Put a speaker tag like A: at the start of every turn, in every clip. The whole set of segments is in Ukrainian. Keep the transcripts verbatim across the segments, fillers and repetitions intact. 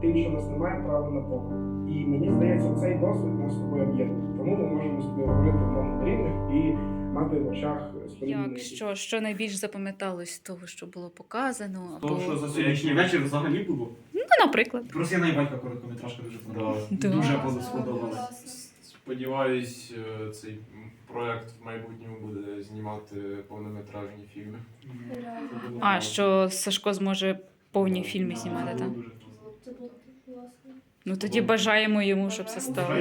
A: тим, що в нас немає права на показ. І мені здається, цей досвід нас з тобою об'єднує. Тому ми можемо з тобою говорити в одному рівних і мати в очах споріднені.
B: Як що, що найбільш запам'яталось з того, що було показано? Або...
C: Того, що за сьогоднішній вечір взагалі було.
B: Ну, наприклад.
C: Про сина і батька короткометражка дуже подобалася.
B: Да.
C: Дуже
B: Да.
C: сподобалась.
D: Сподіваюсь, цей проект в майбутньому буде знімати повнометражні фільми.
B: А, що Сашко зможе повні фільми знімати, так?
E: Це було класно.
B: Ну тоді бажаємо йому, щоб це стало.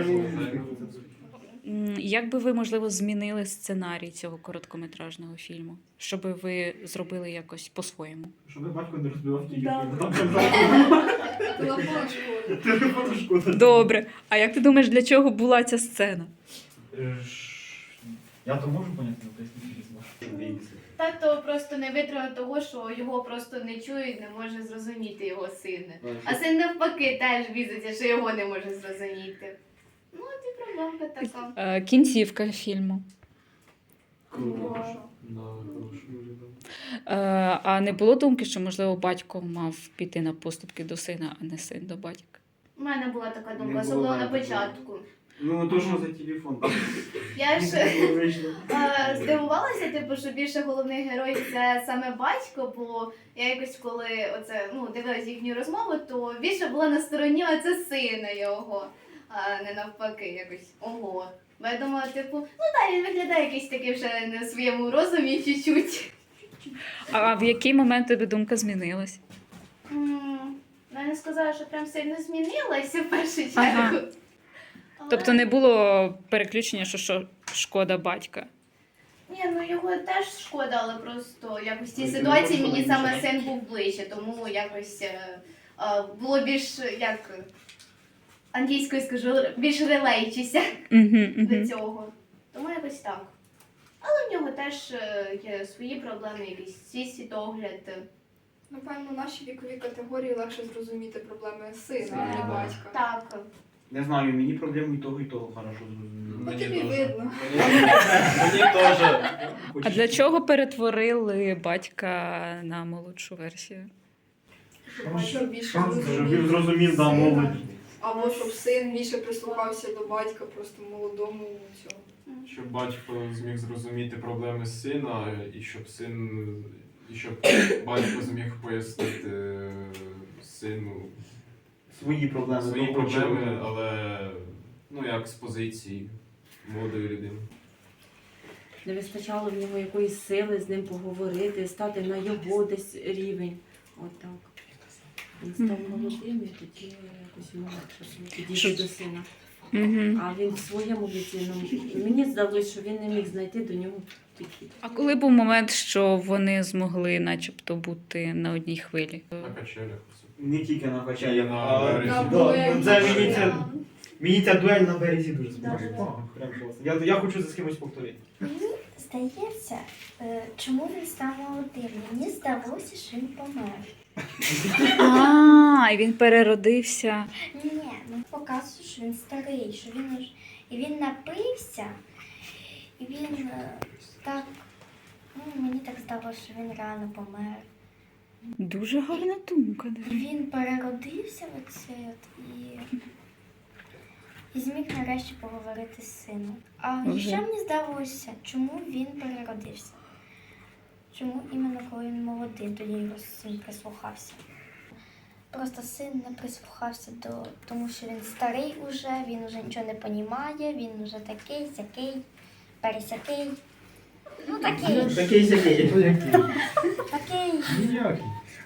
B: М, Як би ви, можливо, змінили сценарій цього короткометражного фільму? Щоб ви зробили якось по-своєму?
C: Щоб батько не розбивав ті
E: Да. Телефон школи.
C: Телефон шкода.
B: Добре. А як ти думаєш, для чого була ця сцена?
C: Я то можу поняти, але пояснити не зможу.
F: Тато просто не витримав того, що його просто не чують, не може зрозуміти його син. А син навпаки теж бізиться, що його не може зрозуміти. Ну, от і проблемка така.
B: Е, Кінцівка фільму. Е, А не було думки, що, можливо, батько мав піти на поступки до сина, а не син до батька?
F: У мене була така
C: Не
F: думка,
C: було
F: особливо на
C: навіть такого.
F: початку.
C: Ну, то що за телефон?
F: Я ж е, здивувалася, типу, що більше головний герой це саме батько, бо я якось коли оце, ну, дивилась їхню розмову, то більше була на стороні оце сина його, а не навпаки, якось ого. Бо я думала, типу, ну так, він виглядає якийсь такий вже не в своєму розумі чуть-чуть.
B: А в який момент тобі думка змінилась?
F: М, Я не сказала, що прям сильно змінилася в першу чергу.
B: Ага.
F: Але-
B: Тобто не було переключення, що, що шкода батька?
F: Ні, ну його теж шкода, але просто якось в цій
C: Ну, ти
F: ситуації
C: не
F: мені
C: можеш
F: саме
C: нічого.
F: син був ближче, тому якось е, е, було більш, як англійською скажу, більш релейчися
B: Угу,
F: до
B: угу.
F: цього. Тому якось так. Але в нього теж е, є свої проблеми, якийсь свій світогляд.
E: Напевно, нашій віковій категорії легше зрозуміти проблеми сина, а не батька.
F: Так.
C: Не знаю, мені проблему і того, і того хорошо зрозуміло.
E: Ну,
D: Мені
E: тобі
D: теж.
E: видно.
D: Мені теж.
B: А для чого перетворили батька на молодшу версію?
E: Щоб більше
C: Щоб він
E: зрозумів
C: зрозумів, да,
E: сина.
C: молодь.
E: Або щоб син більше прислухався до батька, просто молодому цього.
D: Щоб батько зміг зрозуміти проблеми сина, і щоб син, і щоб батько зміг пояснити сину
C: Свої проблеми.
D: свої
C: того,
D: проблеми,
C: чого-
D: але ну як з позиції молодої людини.
G: Не вистачало в нього якоїсь сили з ним поговорити, стати на його десь рівень. Отак. Він став молодим і тоді якось йому легше було підійти
B: Що-
G: до сина.
B: Угу.
G: А він в своєму віці, ну, мені здалося, що він не міг знайти до нього підхід.
B: А коли був момент, що вони змогли начебто бути на одній хвилі?
D: На качелях.
C: Не тільки на
D: І
C: качелях,
D: на
C: а
D: березі.
E: На
C: Да,
E: дуелі.
C: ну, це мені це
E: Да.
C: мені ця дуель на березі дуже сподобалася.
E: Да.
C: Прям класно. Я, я хочу за кимось повторити.
H: Мені здається, е, чому він став молодим? Мені здалося, що він помер.
B: А, і він переродився.
H: Ні, ну показує, що він старий, що він уж- і він напився, і він е, так, ну мені так здалося, що він реально помер.
B: Дуже гарна думка. до речі.
H: Він переродився в оце от і, і зміг нарешті поговорити з сином. А
B: Вже.
H: ще мені здалося, чому він переродився? Чому іменно коли він молодий, тоді його син прислухався? Просто син не прислухався до, тому що він старий уже, він уже нічого не розуміє, він уже такий, сякий, пересякий. Ну такий,
C: Такий сякий.
H: такий.
C: Ніякий.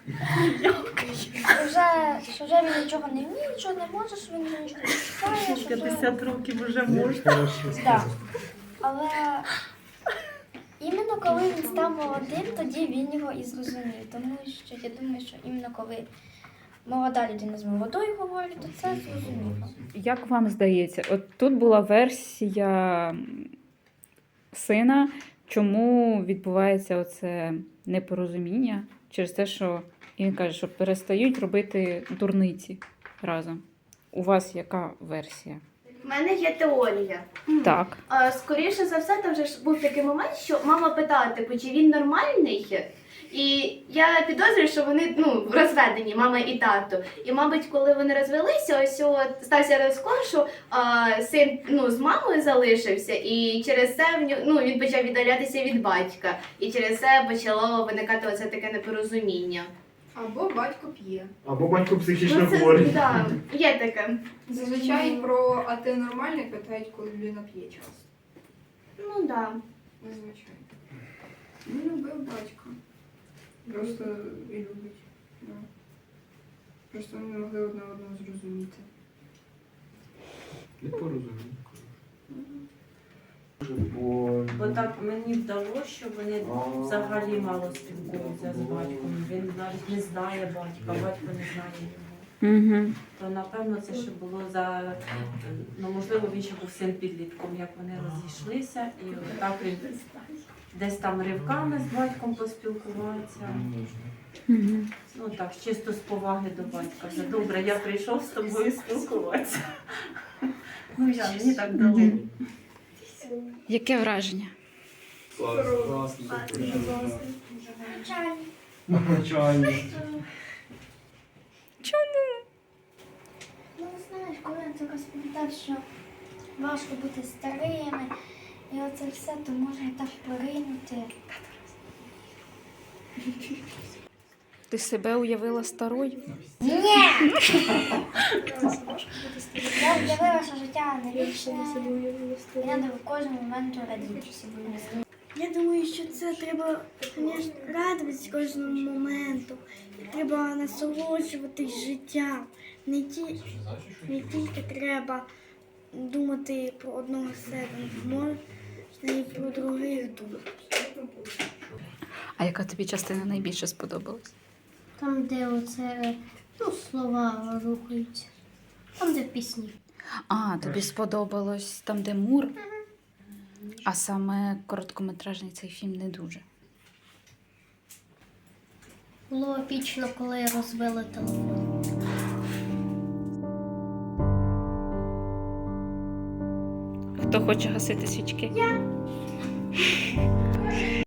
H: Вже, що вже він нічого не вміє, нічого не може, що він вже нічого не чекає, що вже...
G: п'ятдесят років вже можна.
H: Так. Але іменно коли він став молодим, тоді він його і зрозумів. Тому що я думаю, що іменно коли молода людина з молодою говорить, то це зрозуміло.
B: Як вам здається, от тут була версія м, сина, чому відбувається оце непорозуміння через те, що він каже, що перестають робити дурниці разом. У вас яка версія?
F: У мене є теорія.
B: Так.
F: А, скоріше за все, там вже ж був такий момент, що мама питала, типу, чи він нормальний, І я підозрюю, що вони ну, розведені, мама і тато. І, мабуть, коли вони розвелися, ось от стався розклад, що а, син ну, з мамою залишився, і через це в ню- ну, він почав віддалятися від батька. І через це почало виникати оце таке непорозуміння.
E: Або батько п'є.
A: Або батько психічно
F: Ну, це,
A: хворий.
F: да, є таке.
E: Зазвичай про а ти нормальний питають, коли людина п'є часто.
F: Ну так. Да.
E: Зазвичай. Він любив батька. Просто і любить. Да. Просто вони не могли одне одного зрозуміти.
D: Не порозумію.
A: Бо...
G: Бо так мені вдалося, що вони взагалі мало спілкуються з батьком. Він навіть не знає батька, батько не знає його.
B: Угу.
G: То напевно це ще було за ну можливо він ще був син підлітком, як вони розійшлися, і так він десь там ривками з батьком поспілкувався.
B: Угу.
G: Ну так, чисто з поваги до батька. Вже добре, я прийшов з тобою спілкуватися. Ну я мені так дало.
B: Яке враження?
A: Навчання.
H: Ну, знаєш, коли він так розповідав, що важко бути старими, і оце все, то можна так поринути.
B: Ти себе уявила старою?
H: Ні! Я уявила, що життя не вічне, і треба в кожному моменту радіти.
I: Я думаю, що це треба, звісно, радуватися кожному моменту. І треба насолоджуватись життям. Не, ті, не тільки треба думати про одного себе, можна і про других думати.
B: А яка тобі частина найбільше сподобалась?
H: Там, де оце, ну, слова рухаються. Там, де пісні.
B: А, тобі сподобалось там, де Мур? А саме короткометражний цей фільм не дуже.
H: Було епічно, коли розбили телефон.
B: Хто хоче гасити свічки? Я.